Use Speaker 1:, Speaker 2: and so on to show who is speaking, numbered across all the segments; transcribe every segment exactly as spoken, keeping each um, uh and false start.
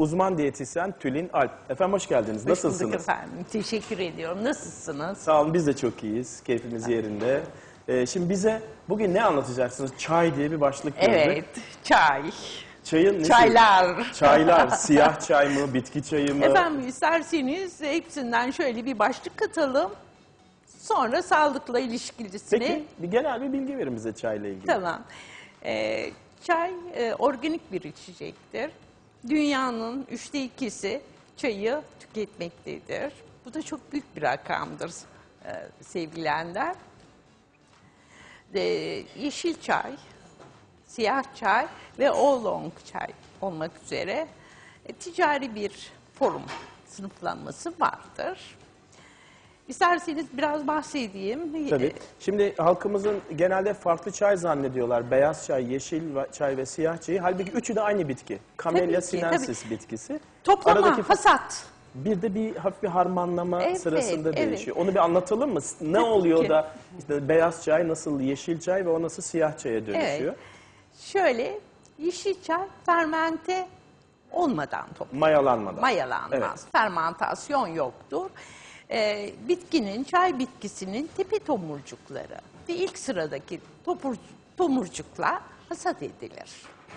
Speaker 1: uzman diyetisyen Tülin Alp. Efendim hoş geldiniz.
Speaker 2: Hoş
Speaker 1: Nasılsınız?
Speaker 2: bulduk efendim. Teşekkür ediyorum. Nasılsınız?
Speaker 1: Sağ olun, biz de çok iyiyiz. Keyfimiz yerinde. Ee, şimdi bize bugün ne anlatacaksınız? Çay diye bir başlık gördük.
Speaker 2: Evet, çay.
Speaker 1: Çayın nesi?
Speaker 2: Çaylar.
Speaker 1: Çaylar. Siyah çay mı, bitki çayı mı?
Speaker 2: Efendim isterseniz hepsinden şöyle bir başlık katalım. Sonra sağlıkla ilişkilisini.
Speaker 1: Peki bir genel bir bilgi verin bize çayla ilgili.
Speaker 2: Tamam. Ee, çay e, organik bir içecektir. Dünyanın üçte ikisi çayı tüketmektedir. Bu da çok büyük bir rakamdır e, sevgili Ender. E, yeşil çay, siyah çay ve oolong çay olmak üzere e, ticari bir forum sınıflanması vardır. İsterseniz biraz bahsedeyim.
Speaker 1: Tabii. Şimdi halkımızın genelde farklı çay zannediyorlar. Beyaz çay, yeşil çay ve siyah çayı. Halbuki üçü de aynı bitki. Camellia
Speaker 2: Tabii ki,
Speaker 1: sinensis
Speaker 2: tabii.
Speaker 1: bitkisi.
Speaker 2: Toplama,
Speaker 1: Aradaki
Speaker 2: hasat.
Speaker 1: bir de bir hafif bir harmanlama
Speaker 2: Evet,
Speaker 1: sırasında
Speaker 2: evet.
Speaker 1: değişiyor. Onu bir anlatalım mı? Ne
Speaker 2: Tabii
Speaker 1: oluyor
Speaker 2: ki.
Speaker 1: da işte beyaz çay nasıl yeşil çay ve o nasıl siyah çaya dönüşüyor?
Speaker 2: Evet. Şöyle, yeşil çay fermente olmadan toplanır.
Speaker 1: Mayalanmadan.
Speaker 2: Mayalanmaz.
Speaker 1: Evet.
Speaker 2: Fermentasyon yoktur. Ee, bitkinin, çay bitkisinin tepe tomurcukları ve ilk sıradaki topur, tomurcuklar hasat edilir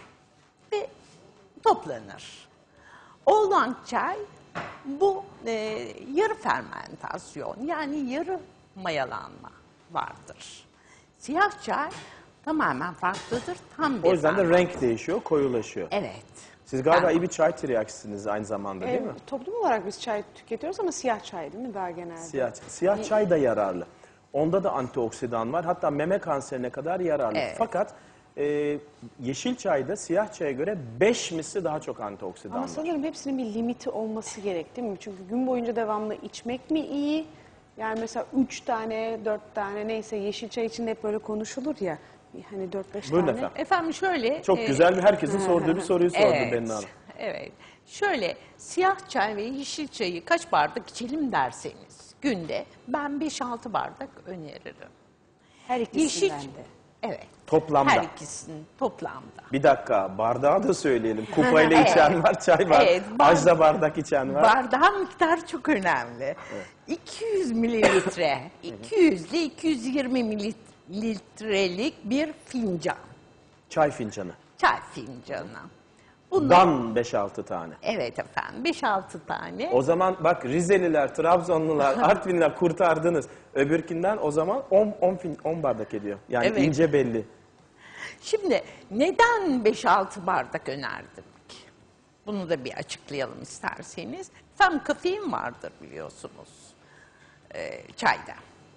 Speaker 2: ve toplanır. Oolong çay bu e, yarı fermentasyon, yani yarı mayalanma vardır. Siyah çay tamamen farklıdır. Tam bir
Speaker 1: O yüzden de
Speaker 2: ferment-
Speaker 1: renk değişiyor, koyulaşıyor.
Speaker 2: Evet.
Speaker 1: Siz galiba
Speaker 2: Ben-
Speaker 1: iyi bir çay tiryakisiniz aynı zamanda değil
Speaker 3: Ee,
Speaker 1: mi?
Speaker 3: toplum olarak biz çay tüketiyoruz ama siyah çay değil mi daha genelde?
Speaker 1: Siyah, siyah çay da yararlı. Onda da antioksidan var. Hatta meme kanserine kadar yararlı.
Speaker 2: Evet.
Speaker 1: Fakat e, yeşil çayda siyah çaya göre beş misli daha çok antioksidan
Speaker 3: Ama
Speaker 1: var.
Speaker 3: sanırım hepsinin bir limiti olması gerek değil mi? Çünkü gün boyunca devamlı içmek mi iyi? Yani mesela üç tane, dört tane neyse yeşil çay içinde hep böyle konuşulur ya. Hani dört beş
Speaker 1: Buyurun
Speaker 3: tane.
Speaker 1: efendim.
Speaker 2: Efendim şöyle...
Speaker 1: Çok
Speaker 2: e,
Speaker 1: güzel bir herkesin sorduğu bir soruyu sordu
Speaker 2: Evet,
Speaker 1: Bennu Hanım.
Speaker 2: evet. Şöyle, siyah çay ve yeşil çayı kaç bardak içelim derseniz günde ben beş altı bardak öneririm.
Speaker 3: Her ikisinden
Speaker 2: Yeşil,
Speaker 3: de.
Speaker 2: evet.
Speaker 1: Toplamda.
Speaker 2: Her ikisinin toplamda.
Speaker 1: Bir dakika, bardağı da söyleyelim. Kupayla içen
Speaker 2: Evet.
Speaker 1: var, çay var.
Speaker 2: Evet, bar-
Speaker 1: Ajda bardak içen var.
Speaker 2: Bardağın miktarı çok önemli. iki yüz mililitre, iki yüz ile iki yüz yirmi mililitrelik bir fincan,
Speaker 1: Çay fincanı.
Speaker 2: çay fincanı. Bundan,
Speaker 1: Dan beş altı tane.
Speaker 2: evet efendim, beş altı tane.
Speaker 1: O zaman bak Rizeliler, Trabzonlular, Artvinliler kurtardınız. Öbürkünden o zaman on bardak ediyor. Yani
Speaker 2: Evet.
Speaker 1: ince belli.
Speaker 2: Şimdi neden beş altı bardak önerdim ki? Bunu da bir açıklayalım isterseniz. Tam kafein vardır biliyorsunuz e, çayda.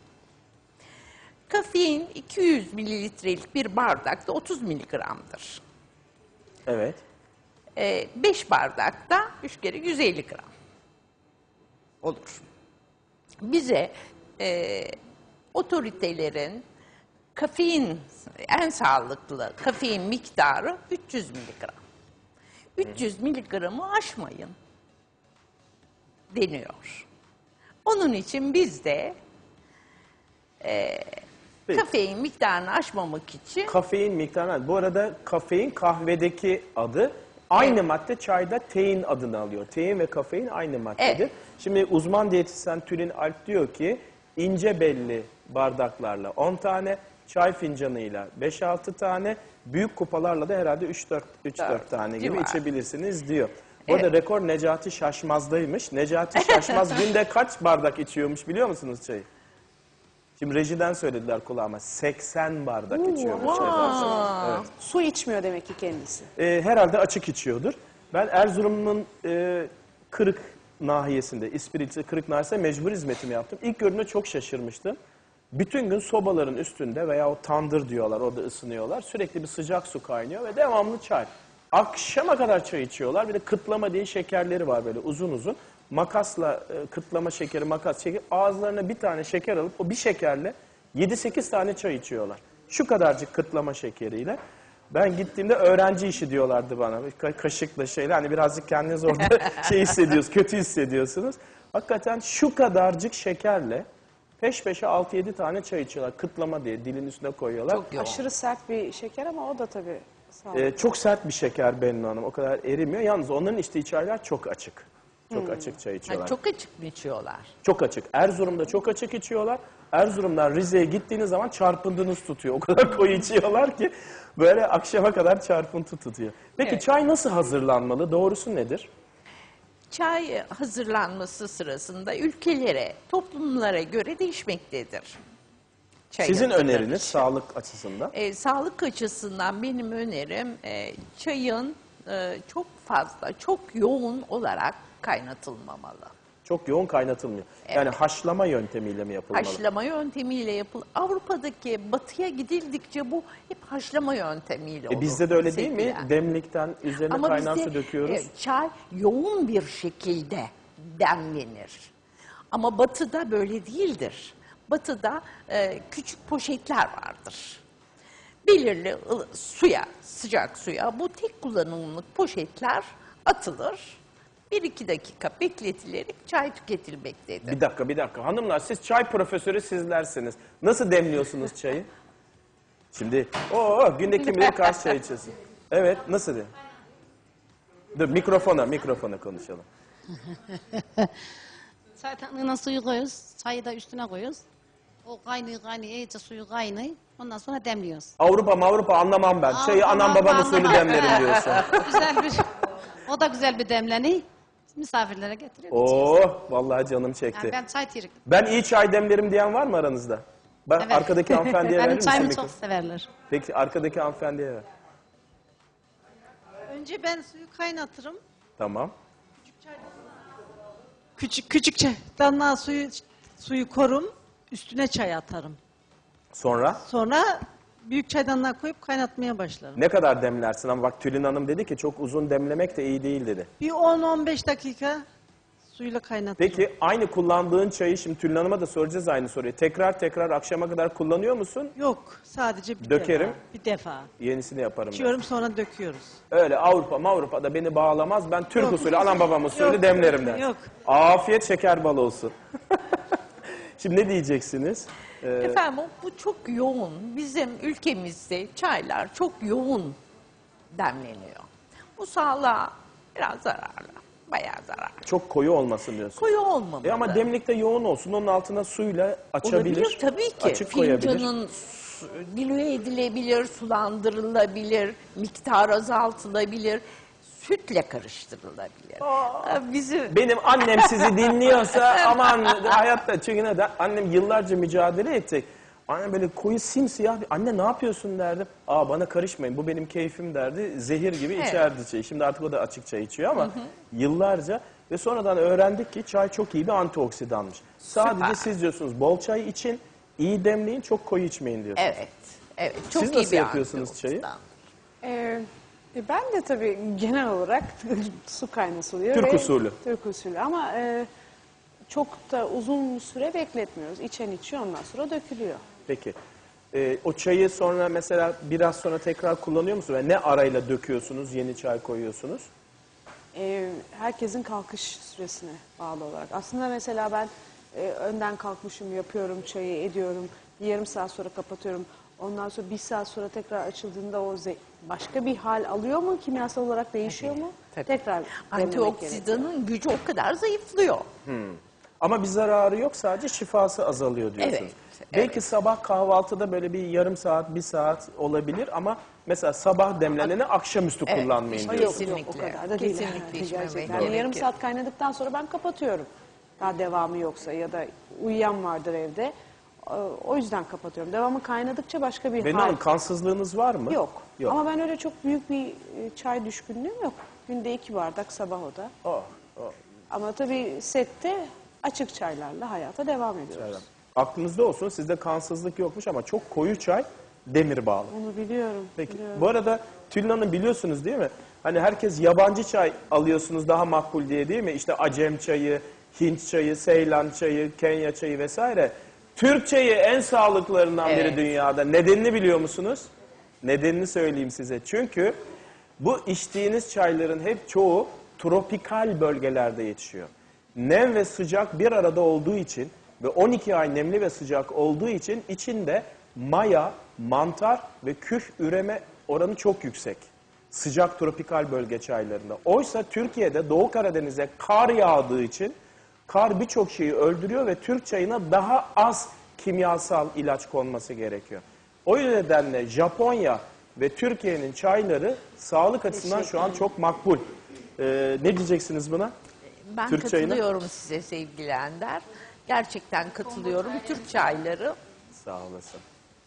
Speaker 2: Kafein iki yüz mililitrelik bir bardakta otuz miligramdır.
Speaker 1: Evet.
Speaker 2: E, beş bardakta üç kere yüz elli gram olur. Bize e, otoritelerin kafein, en sağlıklı kafein miktarı üç yüz miligram. üç yüz miligramı aşmayın deniyor. Onun için biz de e,
Speaker 1: Peki.
Speaker 2: kafein miktarını aşmamak için
Speaker 1: Kafein miktarı. Bu arada kafein kahvedeki adı. Aynı
Speaker 2: Evet.
Speaker 1: madde çayda tein adını alıyor. Tein ve kafein aynı maddedir.
Speaker 2: Evet.
Speaker 1: Şimdi uzman diyetisyen Tülin Alp diyor ki ince belli bardaklarla on tane, çay fincanıyla beş altı tane, büyük kupalarla da herhalde üç dört tane gibi
Speaker 2: civarı.
Speaker 1: içebilirsiniz diyor. Bu arada rekor Necati Şaşmaz'daymış. Necati Şaşmaz günde kaç bardak içiyormuş biliyor musunuz çayı? Şimdi rejiden söylediler kulağıma. seksen bardak içiyormuş.
Speaker 2: Aa,
Speaker 1: Evet.
Speaker 3: Su içmiyor demek ki kendisi.
Speaker 1: Ee, herhalde açık içiyordur. Ben Erzurum'un e, Kırık nahiyesinde, İspiriti Kırık nahiyesinde mecbur hizmetimi yaptım. İlk gördüğümde çok şaşırmıştım. Bütün gün sobaların üstünde veya o tandır diyorlar, orada ısınıyorlar. Sürekli bir sıcak su kaynıyor ve devamlı çay. Akşama kadar çay içiyorlar. Bir de kıtlama diye şekerleri var böyle uzun uzun. Makasla e, kıtlama şekeri, makas şekeri. Ağızlarına bir tane şeker alıp o bir şekerle yedi sekiz tane çay içiyorlar. Şu kadarcık kıtlama şekeriyle. Ben gittiğimde öğrenci işi diyorlardı bana. Ka- kaşıkla şeyle hani birazcık kendiniz orada şey hissediyorsunuz, kötü hissediyorsunuz. Hakikaten şu kadarcık şekerle peş peşe altı yedi tane çay içiyorlar. Kıtlama diye dilin üstüne koyuyorlar.
Speaker 2: çok yoğun.
Speaker 3: Aşırı sert bir şeker ama o da tabii Sağ olun.
Speaker 1: Ee, çok sert bir şeker Bennu Hanım. O kadar erimiyor. Yalnız onların içtiği çaylar çok açık. Çok
Speaker 3: Hmm.
Speaker 1: açık çay
Speaker 2: Ha,
Speaker 1: içiyorlar.
Speaker 2: çok açık mı içiyorlar?
Speaker 1: Çok açık. Erzurum'da çok açık içiyorlar. Erzurum'dan Rize'ye gittiğiniz zaman çarpıntınız tutuyor. O kadar koyu içiyorlar ki böyle akşama kadar çarpıntı tutuyor. Peki
Speaker 2: Evet.
Speaker 1: çay nasıl hazırlanmalı? Doğrusu nedir?
Speaker 2: Çay hazırlanması sırasında ülkelere, toplumlara göre değişmektedir. Çay
Speaker 1: Sizin
Speaker 2: hazırlanışı.
Speaker 1: öneriniz sağlık açısından.
Speaker 2: E, sağlık açısından benim önerim e, çayın e, çok fazla, çok yoğun olarak kaynatılmamalı.
Speaker 1: Çok yoğun kaynatılmıyor. Yani haşlama yöntemiyle mi yapılmalı?
Speaker 2: Haşlama yöntemiyle yapıl. Avrupa'daki batıya gidildikçe bu hep haşlama yöntemiyle olur.
Speaker 1: E bizde de öyle değil mi?
Speaker 2: sevgili.
Speaker 1: Demlikten üzerine
Speaker 2: Ama
Speaker 1: kaynar
Speaker 2: bizde
Speaker 1: su döküyoruz.
Speaker 2: e, çay yoğun bir şekilde demlenir. Ama batıda böyle değildir. Batıda e, küçük poşetler vardır. Belirli ılı- suya, sıcak suya bu tek kullanımlık poşetler atılır. Bir iki dakika bekletilerek çay tüketilmektedir.
Speaker 1: Bir dakika, bir dakika. Hanımlar siz çay profesörü sizlersiniz. Nasıl demliyorsunuz çayı? Şimdi, o günde kim bilir kaç çay içiyorsun? Evet, nasıl de? Dur, mikrofona, mikrofona konuşalım.
Speaker 4: Çaydanlığına suyu koyuyoruz. Çayı da üstüne koyuyoruz. O kaynıyor kaynıyor iyice suyu kaynıyor. Ondan sonra demliyoruz.
Speaker 1: Avrupa Avrupa anlamam ben. Çayı
Speaker 4: Avrupa,
Speaker 1: anam babam
Speaker 4: Avrupa
Speaker 1: usulü
Speaker 4: anlamam.
Speaker 1: demlerim diyorsun.
Speaker 4: Güzel bir, o da güzel bir demleni. Misafirlere getiriyor. içiyoruz.
Speaker 1: Oo, vallahi canım çekti.
Speaker 4: Yani ben çay tirik.
Speaker 1: Ben iyi çay demlerim diyen var mı aranızda? Ben
Speaker 4: Evet.
Speaker 1: arkadaki hanımefendiye verir
Speaker 4: Benim
Speaker 1: misin
Speaker 4: çayımı
Speaker 1: mikrofonu?
Speaker 4: çok severler.
Speaker 1: Peki arkadaki hanımefendiye ver.
Speaker 5: Önce ben suyu kaynatırım.
Speaker 1: Tamam.
Speaker 5: Küçük küçük çaydanlığa suyu suyu korum. Üstüne çay atarım.
Speaker 1: Sonra
Speaker 5: Sonra büyük çaydanlığa koyup kaynatmaya başlarım.
Speaker 1: ne kadar demlersin? Ama bak Tülin Hanım dedi ki çok uzun demlemek de iyi değil dedi.
Speaker 5: Bir on on beş dakika suyla kaynatırım.
Speaker 1: Peki aynı kullandığın çayı şimdi Tülin Hanım'a da soracağız aynı soruyu. Tekrar tekrar akşama kadar kullanıyor musun?
Speaker 5: Yok, sadece bir
Speaker 1: Dökerim.
Speaker 5: defa. Bir defa.
Speaker 1: Yenisini yaparım ben.
Speaker 5: İçiyorum sonra döküyoruz.
Speaker 1: Öyle Avrupa Avrupa'da beni bağlamaz. Ben Türk
Speaker 5: Yok.
Speaker 1: usulü anam babam usulü
Speaker 5: Yok,
Speaker 1: demlerim der.
Speaker 5: yok.
Speaker 1: Afiyet şeker bal olsun. Şimdi ne diyeceksiniz? Ee,
Speaker 2: Efendim o- bu çok yoğun. Bizim ülkemizde çaylar çok yoğun demleniyor. Bu sağlığa biraz zararlı. Bayağı zararlı.
Speaker 1: çok koyu olmasın diyorsun.
Speaker 2: Koyu olmamalı.
Speaker 1: E ama demlikte yoğun olsun. Onun altına suyla açabilir.
Speaker 2: Olabilir tabii ki.
Speaker 1: Açık koyabilir.
Speaker 2: Fincanın su- diluye edilebilir, sulandırılabilir, miktar azaltılabilir, sütle karıştırılabilir. Ha, Bizim
Speaker 1: Benim annem sizi dinliyorsa aman hayatta çünkü neden? Annem yıllarca mücadele ettik. Annem böyle koyu simsiyah bir anne ne yapıyorsun derdim. Aa bana karışmayın bu benim keyfim derdi. Zehir gibi
Speaker 2: Evet.
Speaker 1: içerdi çayı. Şimdi artık o da açık çay içiyor ama yıllarca ve sonradan öğrendik ki çay çok iyi bir antioksidanmış. Sadece
Speaker 2: Süper.
Speaker 1: siz diyorsunuz bol çay için, iyi demleyin, çok koyu içmeyin diyorsunuz.
Speaker 2: evet, evet çok
Speaker 1: Siz
Speaker 2: iyi
Speaker 1: nasıl
Speaker 2: bir
Speaker 1: yapıyorsunuz çayı?
Speaker 2: antioksidan.
Speaker 3: Ee, e, ben de tabii genel olarak su kaynatılıyor.
Speaker 1: Türk
Speaker 3: ve-
Speaker 1: usulü.
Speaker 3: Türk usulü ama e, çok da uzun süre bekletmiyoruz. İçen içiyor ondan sonra dökülüyor.
Speaker 1: Peki. Ee, o çayı sonra mesela biraz sonra tekrar kullanıyor musunuz? Ve ne arayla döküyorsunuz, yeni çay koyuyorsunuz?
Speaker 3: Ee, herkesin kalkış süresine bağlı olarak. Aslında mesela ben e, önden kalkmışım, yapıyorum çayı, ediyorum. Bir yarım saat sonra kapatıyorum. Ondan sonra bir saat sonra tekrar açıldığında o ze- başka bir hal alıyor mu? Kimyasal olarak değişiyor mu?
Speaker 2: tabii.
Speaker 3: Tekrar demlemek gerekiyor.
Speaker 2: Antioksidanın gücü o kadar zayıflıyor.
Speaker 1: Ama bir zararı yok, sadece şifası azalıyor diyorsunuz.
Speaker 2: Evet,
Speaker 1: Belki sabah kahvaltıda böyle bir yarım saat, bir saat olabilir ama mesela sabah demleneni akşamüstü
Speaker 2: Evet,
Speaker 1: kullanmayın
Speaker 2: işte
Speaker 1: diyorsunuz.
Speaker 3: Yok, yok, o
Speaker 2: Kesinlikle.
Speaker 3: kadar da değil.
Speaker 2: Kesinlikle
Speaker 3: yani,
Speaker 2: içmemek
Speaker 3: gerçekten.
Speaker 2: gerekir.
Speaker 3: Yarım saat kaynadıktan sonra ben kapatıyorum. Daha devamı yoksa ya da uyuyan vardır evde. Ee, O yüzden kapatıyorum. Devamı kaynadıkça başka bir
Speaker 1: Benim
Speaker 3: hal.
Speaker 1: Hanım kansızlığınız var mı?
Speaker 3: Yok.
Speaker 1: Yok.
Speaker 3: Ama ben öyle çok büyük bir e, çay düşkünlüğüm yok. Günde iki bardak sabah o da.
Speaker 1: Oh, oh.
Speaker 3: Ama tabii sette açık çaylarla hayata devam ediyoruz.
Speaker 1: Evet. Aklınızda olsun, sizde kansızlık yokmuş ama çok koyu çay demir bağlı.
Speaker 3: Onu biliyorum.
Speaker 1: Peki.
Speaker 3: biliyorum.
Speaker 1: Bu arada Tülin Hanım biliyorsunuz değil mi? Hani herkes yabancı çay alıyorsunuz daha makbul diye değil mi? İşte Acem çayı, Hint çayı, Seylan çayı, Kenya çayı vesaire. Türk çayı en sağlıklarından biri
Speaker 2: Evet.
Speaker 1: dünyada. Nedenini biliyor musunuz? Nedenini söyleyeyim size. Çünkü bu içtiğiniz çayların hep çoğu tropikal bölgelerde yetişiyor. Nem ve sıcak bir arada olduğu için ve on iki ay nemli ve sıcak olduğu için içinde maya, mantar ve küf üreme oranı çok yüksek. Sıcak tropikal bölge çaylarında. Oysa Türkiye'de Doğu Karadeniz'e kar yağdığı için kar birçok şeyi öldürüyor ve Türk çayına daha az kimyasal ilaç konması gerekiyor. O nedenle Japonya ve Türkiye'nin çayları sağlık açısından şu an çok makbul. Ee, ne diyeceksiniz buna?
Speaker 2: Ben
Speaker 1: Türk çayına?
Speaker 2: katılıyorum size sevgili Ender. Gerçekten katılıyorum. Türk çayları
Speaker 1: Sağ olasın.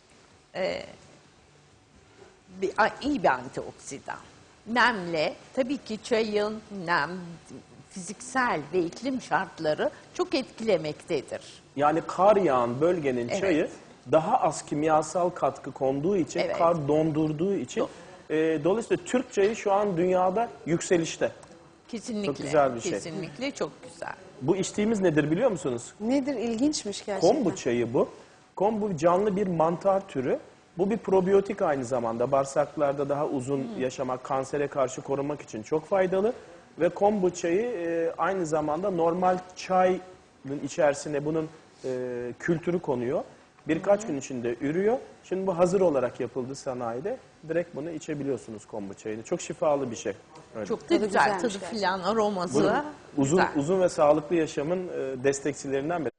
Speaker 2: bir, a- iyi bir antioksidan. Nemle, tabii ki çayın nem, fiziksel ve iklim şartları çok etkilemektedir.
Speaker 1: Yani kar yağan bölgenin
Speaker 2: Evet.
Speaker 1: çayı daha az kimyasal katkı konduğu için,
Speaker 2: Evet.
Speaker 1: kar dondurduğu için. E, dolayısıyla Türk çayı şu an dünyada yükselişte.
Speaker 2: Kesinlikle.
Speaker 1: Çok güzel bir şey.
Speaker 2: Kesinlikle çok güzel.
Speaker 1: Bu içtiğimiz nedir biliyor musunuz?
Speaker 3: Nedir? İlginçmiş gerçekten.
Speaker 1: Kombu çayı bu. Kombu canlı bir mantar türü. Bu bir probiyotik aynı zamanda. Bağırsaklarda daha uzun yaşamak, kansere karşı korumak için çok faydalı. Ve kombu çayı e, aynı zamanda normal çayın içerisine bunun e, kültürü konuyor. Birkaç gün içinde ürüyor. Şimdi bu hazır olarak yapıldı sanayide. Direkt bunu içebiliyorsunuz kombu çayını. Çok şifalı bir şey. Öyle.
Speaker 2: Çok da
Speaker 3: Tadı
Speaker 2: güzel
Speaker 3: güzelmiş
Speaker 2: tadı
Speaker 3: gerçekten.
Speaker 2: filan aroması.
Speaker 1: Bunun uzun
Speaker 2: güzel.
Speaker 1: uzun ve sağlıklı yaşamın e, destekçilerinden biri.